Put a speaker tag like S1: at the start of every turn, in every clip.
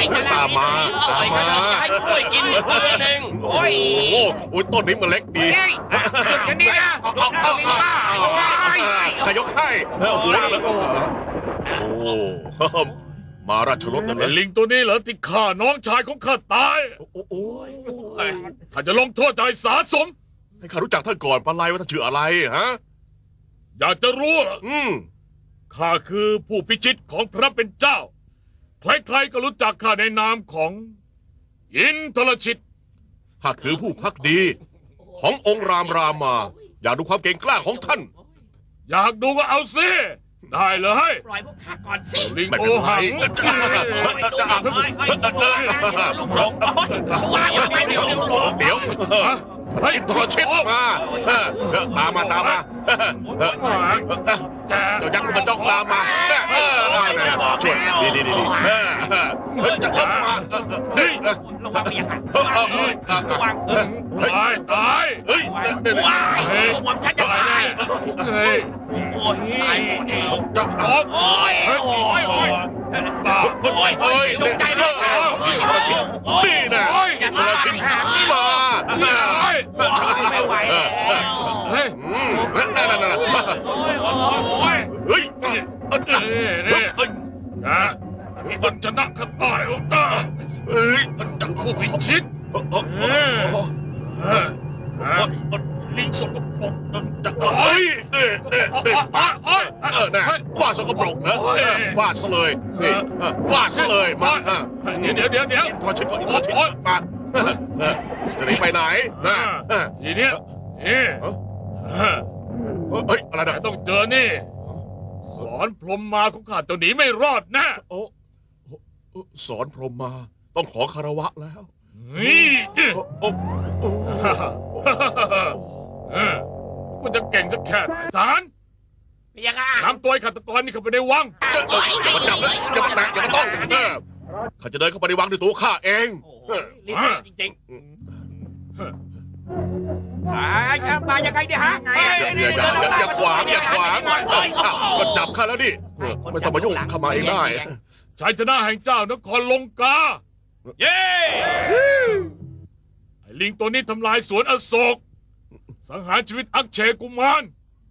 S1: ตามมาให้กล้วยกินเพื่อนเองโอ้ยต้นนี้มันเล็กดี
S2: หยุดอย่างนี้นะ
S1: จะยกให้มาราชรถนั่น
S3: ไอ้
S1: เลย
S3: ลิงตัวนี้เหรอที่ฆ่าน้องชายของข้าตาย
S1: โอ้ย
S3: ข้าจะลงโทษใจสาสม
S1: ให้ข้ารู้จักท่านก่อนปะไลว่าท่านชื่ออะไรฮะ
S3: อยากจะรู้เหรอข้าคือผู้พิชิตของพระเป็นเจ้า ใครๆก็รู้จักข้าในนามของอินทรชิต
S1: ข้าคือผู้พักดี ขององค์รามรามา อยากดูความเก่งกล้าของท่าน
S3: อยากดูก็เอาสิได้เลย
S2: ปล่อยพวกข้าก่อนสิ
S3: ลิง
S1: ไม่
S3: โอ
S1: เป็นไร
S3: หัง
S2: ลูกหลงว่ายังไงเดี๋ยวลูกหลง
S1: เดี๋ยวท่านอินทรชิตมาตามมาเจ้ายักษ์มันจ้องตามมาช่วยดีจะเข้ามา
S2: ระวังเมียค่ะระวัง
S3: ตาย
S1: เฮ้ย
S2: ว้ายระวังฉันจะตาย
S3: เฮ้ย
S2: โอ้ยตายหมดแล้ว
S1: จะ
S3: โอ้ย
S2: โอ้ยโอ้ยโอ้ย
S3: บ้า
S1: เฮ้ย
S2: ตกใจเลย
S1: อินทรชิตนี่นะอินทรชิตมา
S2: ไม่ไหวแล้ว
S3: เฮ้ย
S1: นั่น
S2: โอ้ย
S1: เฮ้ย
S3: มันชนะข้าได้หรอกนะ
S1: เฮ้ยจัง
S3: ผู้พิชิตลิงสกปรก
S1: จังเฮ้ยนะฟาดสกปรกนะฟาดซะเลยนี่ฟาดซะเลยมา
S3: เดี๋ยว
S1: อินทรชิตอินทรชิตมาจะหนีไปไหนนะ
S3: ทีเนี้ยนี่
S1: เฮ้ยอะไรนะ
S3: ต้องเจอนี่ สอนพรหมมาของข้าตัวหนีไม่รอดนะ
S1: สอนพรหมมาต้องขอคารวะแล้ว
S3: นี่มันจะเก่งสักแค่ไหนทหาร
S2: ยังไง
S3: นำตัวไอ้ฆาตกรนี่เข้าไปในวัง
S1: อย่ามาจับเลยอย่ามาแตะอย่ามาต้องข้าจะเดินเข้าไปในวังด้วยตัวข้าเอง
S2: รีบจริงๆมายังไงเนี่ยฮะ
S1: อย่าขวางก็จับข้าแล้วดิไม่ต้องมายุ่งเข้ามาเองได้
S3: ชัยชนะแห่งเจ้านครลงกา
S2: เย้
S3: ไอ้ลิงตัวนี้ทำลายสวนอโศก สังหารชีวิตอักเชกุมาร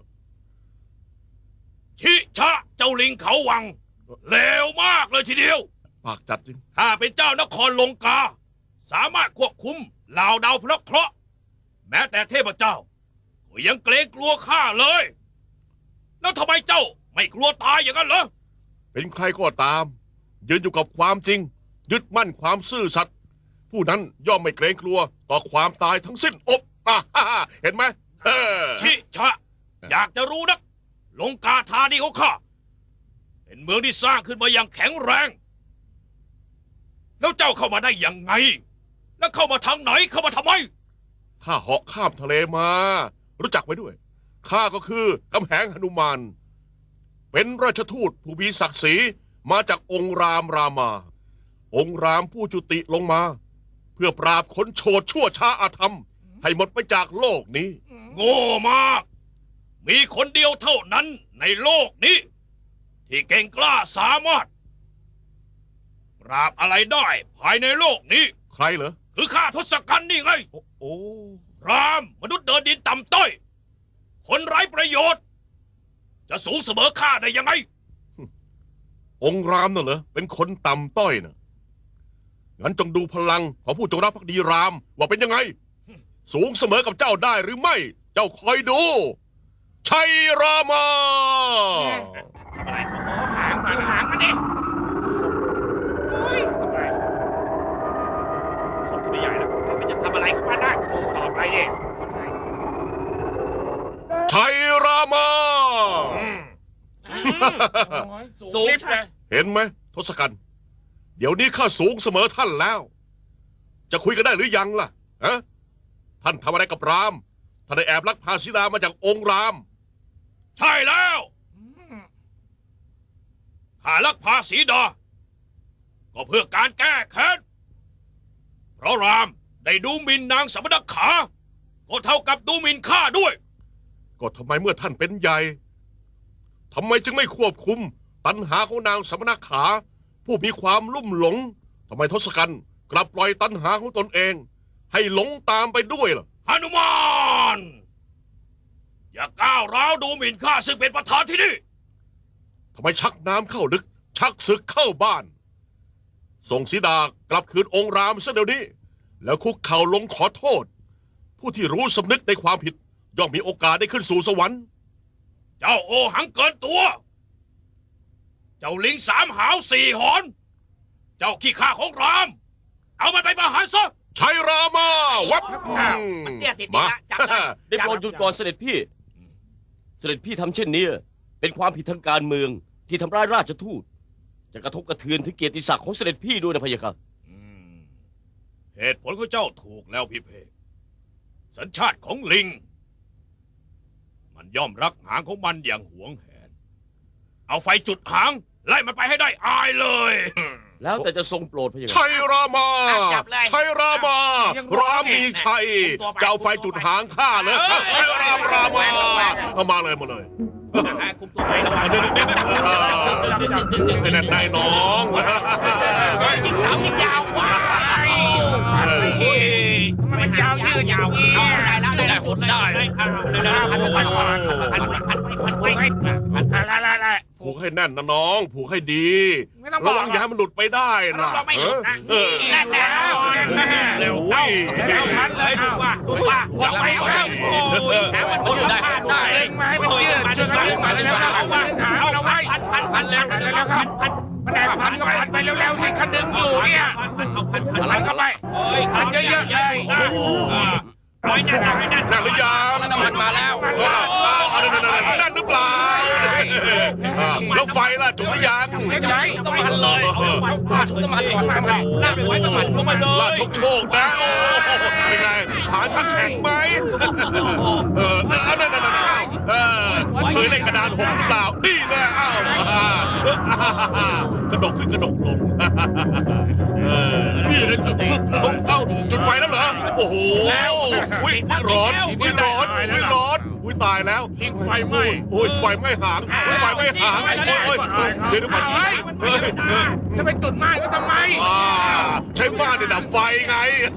S4: ชิชะเจ้าลิงเขาวังเลวมากเลยทีเดียว
S1: ปากจัดจริง
S4: ข้าเป็นเจ้านครลงกา สามารถควบคุมเหล่าดาวพระเคราะห์แม้แต่เทพเจ้าก็ยังเกรงกลัวข้าเลย แล้วทำไมเจ้าไม่กลัวตายอย่างนั้นเหรอ
S1: เป็นใครก็ตาม ยืนอยู่กับความจริง ยึดมั่นความซื่อสัตย์ผู้นั้นย่อมไม่เกรงกลัวต่อความตายทั้งสิ้นเห็นไหม
S4: ชิชะ อยากจะรู้นักลงกาธานีของข้าเป็นเมืองที่สร้างขึ้นมาอย่างแข็งแรง แล้วเจ้าเข้ามาได้ยังไง แล้วเข้ามาทางไหนเข้ามาทำไม
S1: ข้าเหาะข้ามทะเลมา รู้จักไว้ด้วยข้าก็คือกำแหงหนุมาน เป็นราชทูตผู้มีศักดิ์ศรีมาจากองค์รามรามา องค์รามผู้จุติลงมา เพื่อปราบคนโฉดชั่วช้าอาธรรม ให้หมดไปจากโลกนี้
S4: โง่มาก มีคนเดียวเท่านั้นในโลกนี้ ที่เก่งกล้าสามารถปราบอะไรได้ภายในโลกนี้
S1: ใครเหรอ
S4: คือข้าทศกัณฐ์นี่ไง
S1: โอ้
S4: รามมนุษย์เดินดินต่ำต้อย คนไร้ประโยชน์ จะสูงเสมอข้าได้ยังไง
S1: องค์รามน่ะเหรอเป็นคนต่ำต้อยน่ะงั้นจงดูพลังของผู้จงรักภักดีรามว่าเป็นยังไง สูงเสมอกับเจ้าได้หรือไม่ เจ้าคอยดู ชัยรามา
S2: ทำอะไรหางมันดิโอ้ยทำไมคนที่ไม่ใหญ่แล้วมันจะทำอะไรของมันได้ต่อไปดิ
S1: ชัยรามา
S2: สูงเลย
S1: เห็นไหมทศกัณฐ์เดี๋ยวนี้ข้าสูงเสมอท่านแล้ว จะคุยกันได้หรือยังล่ะฮะท่านทำอะไรกับรามท่านได้แอบลักพาสีดามาจากองค์ราม
S4: ใช่แล้วข้าลักพาสีดา ก็เพื่อการแก้แค้น เพราะรามได้ดูหมิ่นนางสมณขา ก็เท่ากับดูหมิ่นข้าด้วย
S1: ก็ทำไมเมื่อท่านเป็นใหญ่ทำไมจึงไม่ควบคุมตัณหาของนางสมณขา ผู้มีความลุ่มหลงทำไมทศกัณฐ์กลับปล่อยตัณหาของตนเอง ให้หลงตามไปด้วยล่ะ
S4: หนุมานอย่าก้าวร้าวดูหมิ่นข้าซึ่งเป็นประธานที่นี่
S1: ทำไมชักน้ำเข้าลึก ชักศึกเข้าบ้าน ส่งสีดากลับคืนองค์รามซะเดี๋ยวนี้ แล้วคุกเข่าลงขอโทษ ผู้ที่รู้สำนึกในความผิด ย่อมมีโอกาสได้ขึ้นสู่สวรรค์
S4: เจ้าโอหังเกินตัว เจ้าลิงสามหาวสี่หอน เจ้าขี้ข้าของราม เอามันไปประหารซะ
S1: ชัยรามาวับ
S2: มันเตี้ยติด
S1: มา
S2: ละจับเลย
S5: ได้โปรดหยุดก่อนเสด็จพี่ เสด็จพี่ทำเช่นนี้เป็นความผิดทางการเมืองที่ทำร้ายราชทูต จะกระทบกระเทือนถึงเกียรติศักดิ์ของเสด็จพี่ด้วยนะพะยะค่ะ
S4: เหตุผลของเจ้าถูกแล้วพี่เพกสัญชาติของลิง มันย่อมรักหางของมันอย่างหวงแหน เอาไฟจุดหาง ไล่มันไปให้ได้อายเลย
S5: แล้วแต่จะทรงโปรดพะยะค่ะ
S1: ชัยรามา
S2: จับเลย
S1: ชัยรามา
S2: ยัง
S1: รามีชัย เจ้าไฟจุดหางข้าเลยชัยรามาเอามาเลยมาเลย
S2: คุมตัวไประวัง
S1: เดี๋ยวให้แน่นในน้อง
S2: ยิงสาวยิงยาวว้ายมันยาวยืดยาวได้แล้วได้แล้วได้พันไป
S1: ผูกให้แน่นนะน้อง ผูกให้ดี
S2: ไม่ต้องบอก
S1: ระวังอย่าให้มันหลุดไปได้นะ
S2: เราไม่หยุดนะ
S1: เออ
S2: แน่แน่เร็ว
S1: โอ้ย
S2: แล้วฉันเลยดูว่าเราไปแล้วแล้วมันยืดได้ได้มาให้มันยืดช่วยกันมาแล้วเอาไว้เอาไว้พันแล้วแล้วครับมันได้พันก็พันไปเร็วๆสิคันดึงอยู่เนี่ยพันเข้าไปพันเยอะๆเลยร้อยนั่นให้นั่น
S1: นั่นหรือยัง
S2: น้ำมันมาแล้ว
S1: นั่นหรือเปล่าแล้วไฟล่ะจุดหรือยัง
S2: ไม่ใช่น้ำมันเลยชุบน้ำมันก่อนลากไปไว้น้ำมันลงมาเล
S1: ลาย โชคนะโอ้เป็นไงหาชักแข็งไหมนั่นเคยเล่นกระดานหงหรือเปล่านี่แน่อ้าวกระดกขึ้นกระดกลงนี่เลยจุดเอ้าจุดไฟแล้วเหรอโอ้โหอุ้ยร้อนอุ้ยร้อนอุ้ยร้อนอุ้ยตายแล้วไฟไหม้โอ้ยไฟไหม้หางอุ้ยไฟไหม้หางโอ้ยเดี๋ยวก่อน
S2: จะไปจุดไม้ก็ทำไม
S1: ใช้บ้านในดับไฟไง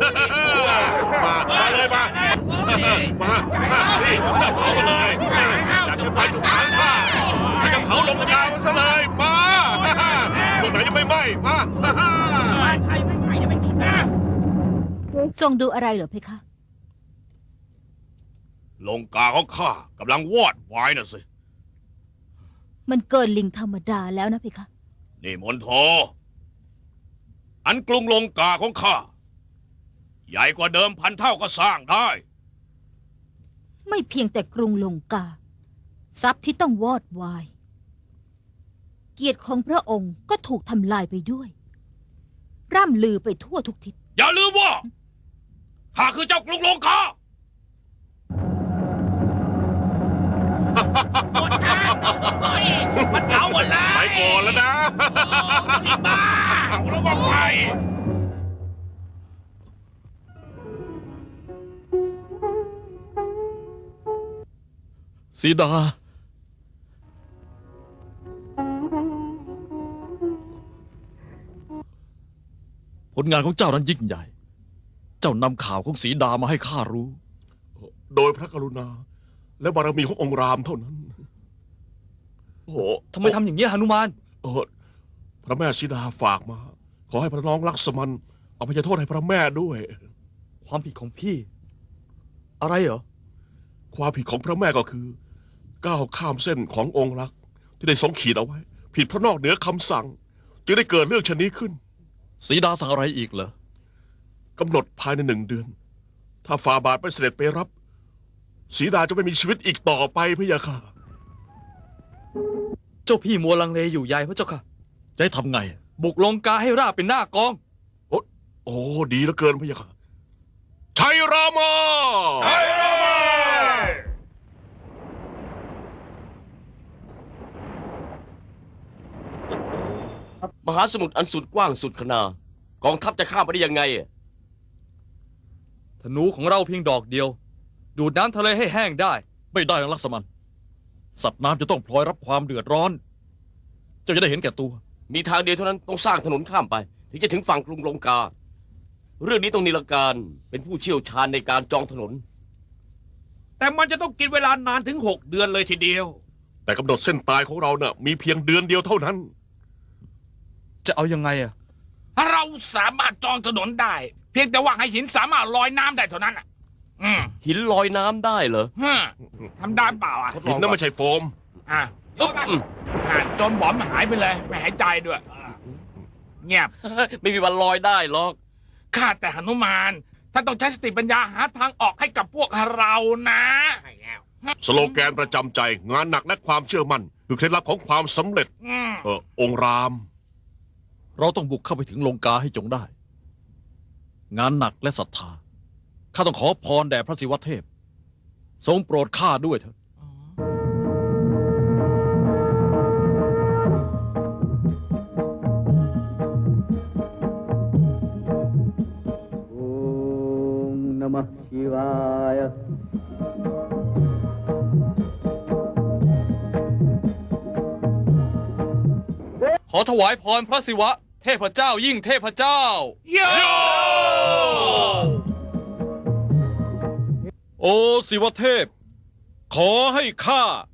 S1: มาเลยมานี่เผามาเลยอยากจะไฟจุดหางข้าถ้าจะเผาลงยาวซะเลยมาตรงไหนยังไม่ไหม้มา
S2: ใช่ไม่จะไปจุดนะ
S6: ทรงดูอะไรเหรอเพคะ
S4: ลงกาของข้ากำลังวอดวายน่ะสิ
S6: มันเกินลิงธรรมดาแล้วนะเพคะ
S4: นี่มนโท อันกรุงลงกาของข้า ใหญ่กว่าเดิมพันเท่าก็สร้างได้
S6: ไม่เพียงแต่กรุงลงกา ทรัพย์ที่ต้องวอดวาย เกียรติของพระองค์ก็ถูกทำลายไปด้วย ร่ำลือไปทั่วทุกทิศ
S4: อย่าลืมว่าข้าคือเจ้ากรุงลงกา
S2: มันเผาหมดเลย
S1: ไปก่อนแล้วนะ
S2: บ้าแล้วก็ไป
S3: สีดา ผลงานของเจ้านั้นยิ่งใหญ่ เจ้านำข่าวของสีดามาให้ข้ารู้
S1: โดยพระกรุณา และบารมีขององค์รามเท่านั้นโอ้โห
S7: ทำไมทำอย่างนี้ยหนุมาน
S1: พระแม่สีดาฝากมา ขอให้พระน้องลักษมันเอาพยโทษให้พระแม่ด้วย
S7: ความผิดของพี่ อะไรเหรอ
S1: ความผิดของพระแม่ก็คือก้าวข้ามเส้นขององค์รัก ที่ได้ทรงขีดเอาไว้ ผิดพระนอกเหนือคำสั่ง จึงได้เกิดเรื่องชนนี้ขึ้น
S3: สีดาสั่งอะไรอีกเหรอก
S1: ำหนดภายใน1 เดือน ถ้าฝ่าบาทไม่เสด็จไปรับ สีดาจะไม่มีชีวิตอีกต่อไปพะยะค่ะ
S7: เจ้าพี่มัวลังเลอยู่ใหญ่พระเจ้าค่ะ
S3: จะให้ทำไง
S7: บุกลงกาให้ราบเป็นหน้ากอง
S1: โอ้ดีเหลือเกินพะยะค่ะชัยรามา
S5: มหาสมุทรอันสุดกว้างสุดขนากองทัพจะข้ามไปได้ยังไง
S7: ธนูของเราเพียงดอกเดียว ดูดน้ำทะเลให้แห้งได้
S3: ไม่ได้นะลักษมัน สัตว์น้ำจะต้องพลอยรับความเดือดร้อน เจ้าจะได้เห็นแก่ตัว
S5: มีทางเดียวเท่านั้นต้องสร้างถนนข้ามไปถึงจะถึงฝั่งกรุงลงกา เรื่องนี้ต้องนิลการเป็นผู้เชี่ยวชาญในการจองถนน
S4: แต่มันจะต้องกินเวลานานถึง 6 เดือนเลยทีเดียว
S1: แต่กำหนดเส้นตายของเราเน่ะมีเพียงเดือนเดียวเท่านั้น
S7: จะเอายังไงอะ
S2: เราสามารถจองถนนได้ เพียงแต่ว่าให้หินสามารถลอยน้ำได้เท่านั้นอ่ะ
S5: หินลอยน้ำได้เหรอ
S2: ฮึทำได้เปล่าอ่ะ
S1: หินนั่นไม่ใช่โฟม
S2: อ่ะ
S5: อึ๊บอืม
S2: จนบอมหายไปเลย ไม่หายใจด้วย เงียบ
S5: ไม่มีวันลอยได้หรอก
S2: ข้าแต่หนุมานท่านต้องใช้สติปัญญาหาทางออกให้กับพวกเรานะ
S1: สโลแกนประจำใจงานหนักและความเชื่อมั่นคือเคล็ดลับของความสำเร็จ องค์ราม
S7: เราต้องบุกเข้าไปถึงลงกาให้จงได้ งานหนักและศรัทธา ข้าต้องขอพรแด่พระศิวเทพ ทรงโปรดข้าด้วยเถอะ ขอถวายพรพระศิวะ เทพเจ้ายิ่งเทพเจ้า
S2: โย
S7: โอ้ศิวเทพ ขอให้ข้า